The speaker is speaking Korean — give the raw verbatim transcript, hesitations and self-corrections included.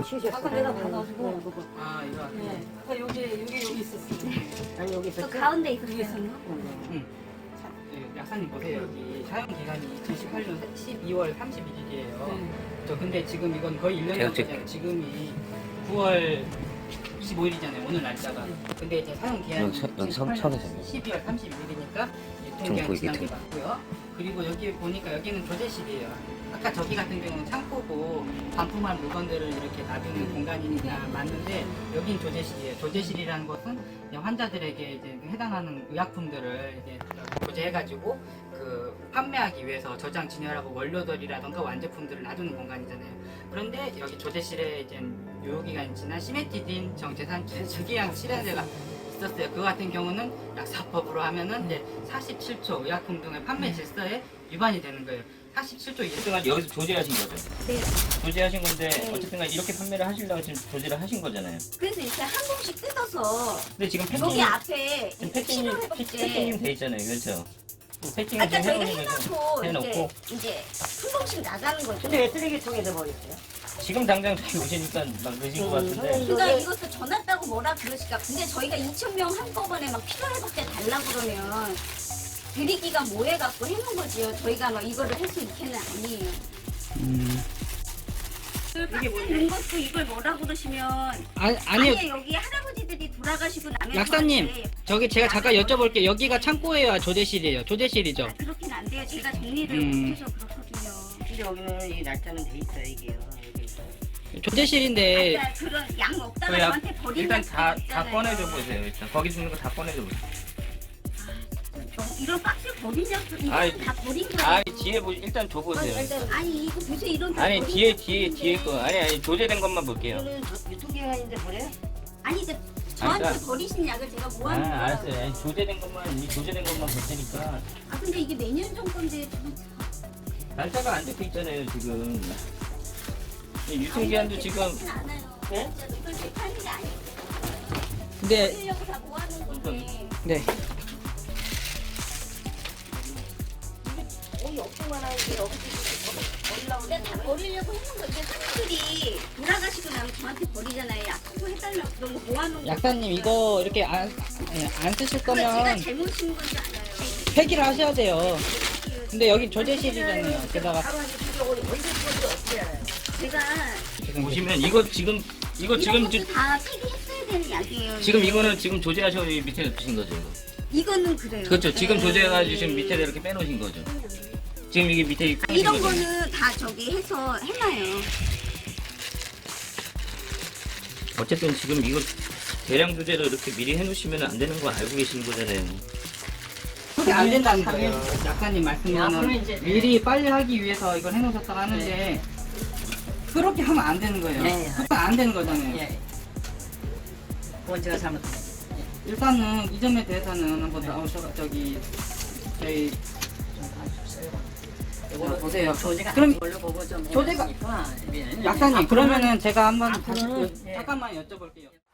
쉬셨어. 아까 내가 받아가지고. 그거. 아 이거. 네. 아까 여기 여기 여기 있었어. 아니 여기 있었어. 그 가운데 여기 있었어요. 있었나? 응. 사- 예, 약사님 보세요 여기 사용 기간이 이천십팔 년 십이월 삼십일일이에요. 네. 저 근데 지금 이건 거의 일 년이 계약직. 넘었잖아요. 지금이 구월 이십오일이잖아요. 오늘 날짜가. 근데 이제 사용 기한이 여기 서- 여기 선- 선에서요. 십이월 삼십일이니까 좀 유통기한 보이게 지난 게 돼. 맞고요. 그리고 여기 보니까 여기는 조제실이에요. 아까 저기 같은 경우는 창고고 반품한 물건들을 이렇게 놔두는 공간이니까 맞는데 여긴 조제실이에요. 조제실이라는 것은 이제 환자들에게 이제 해당하는 의약품들을 이제 조제해가지고 그 판매하기 위해서 저장 진열하고 원료들이라던가 완제품들을 놔두는 공간이잖아요. 그런데 여기 조제실에 이제 유효기간이 지난 시메티딘 정제산제 저기양 실현제가 있었어요. 그거 같은 경우는 약사법으로 하면은 이제 사십칠 조 의약품 등의 판매 질서에 위반이 되는 거예요. 사십칠 조 이상. 어쨌든 여기서 조제하신 거죠? 네. 조제하신 건데 네. 어쨌든 간에 이렇게 판매를 하시려고 지금 조제를 하신 거잖아요. 그래서 이렇게 한 봉씩 뜯어서 근데 지금 여기 패킹 앞에 지금 이렇게 패킹이 필요해 볼게. 패킹이 돼 있잖아요, 그렇죠? 패킹을 아까 지금 저희가 해놓은 거죠. 해놓고 해놓고 이제 이제 한 봉씩 나가는 거죠. 근데 왜 쓰레기통에다 버렸어요? 지금 당장 저기 오시니까 막 그러신 것 음, 같은데. 그러니까 이거를- 이것도 전화했다고 뭐라 그러실까. 근데 저희가 이천 명 한꺼번에 막 필요해 볼때 달라 그러면 드리기가 뭐해갖고 해놓은 거지요. 저희가 막 이거를 할 수 있게는 아니에요. 음. 이게 넣은 것도 이걸 뭐라 그러시면 아, 아니요. 아니 여기 할아버지들이 돌아가시고 나면 약사님, 저한테 저기 제가 잠깐 여쭤볼게요. 여기가 창고예요, 조제실이에요? 조제실이죠? 아, 그렇긴 안 돼요. 제가 정리를 음. 못해서 그렇거든요. 근데 여기는 이 날짜는 돼 있어요 이게요. 여기. 조제실인데 아까 그런 양 없다가 그래야 저한테 버린 일단 약속 다, 다 있잖아요. 꺼내줘 보세요. 일단 거기 있는 거 다 꺼내줘 보세요. 저 이런 박스 버린 약속 이거 아이, 다 버린 거예요. 아 뒤에 보 일단 줘 보세요. 아니 이거 보세요 이런 다 아니 버린 뒤에 약속 뒤에 뒤에 거 아니 아니 조제된 것만 볼게요. 이거는 유통기한인데 버려요? 아니 이제 저한테 그러니까- 버리신 약을 제가 뭐 아 하는 거예요? 알았어요. 아니, 조제된 것만 이 조제된 것만 볼 테니까 아 근데 이게 몇 년 전 건데 날짜가 안 적혀 있잖아요 지금. 이 유통기한도 지금 않아요. 네? 이걸 제 파는 게 아니에요. 근데 버리려고 다 모아놓은 건데. 네. 거의 없기만 하는데 여기서 버리려고 근데 다 버리려고 했는 거. 이게 사람들이 돌아가시고 나면 저한테 버리잖아요. 약속 해달라고 그런 거 모아놓은 거. 약사님 이거 이렇게 안, 예, 안 쓰실 그거 제가 거면 잘못인 건지 알아요. 폐기를 하셔야 돼요. 근데 여기 조제실이잖아요. 게다가 바로 이제 그게 언제 건지 어떻게 알아요? 제가 지금 보시면 이거 지금 이거 이런 지금 것도 지- 다 폐기했어야 되는 약이에요. 지금 이게. 이거는 지금 조제하셔 밑에 놓으신 거죠. 이거. 이거는 그래요. 그렇죠. 지금 네. 조제해가지고 지금 밑에다 이렇게 빼놓으신 거죠. 지금 이게 밑에 아, 이런 거는 다 저기 해서 해놔요. 어쨌든 지금 이거 대량 조제를 이렇게 미리 해놓으시면 안 되는 거 알고 계시는 거잖아요. 그게 안 된다는 거예요. 약사님 앞으로 말씀으로는 이제- 미리 빨리 하기 위해서 이걸 해놓으셨다고 하는데 그렇게 하면 안 되는 거예요. 네. 그건 안 되는 거잖아요. 예. 그건 제가 잘못했어요. 일단은 이 점에 대해서는 한번 나오셔 저기 저희 자, 보세요. 조제가 그럼 안 걸로 보고 좀 조제가- 해놨으니까, 예. 약사님 그러면은 제가 한번 앞으로는- 다시 그- 예. 잠깐만 여쭤볼게요.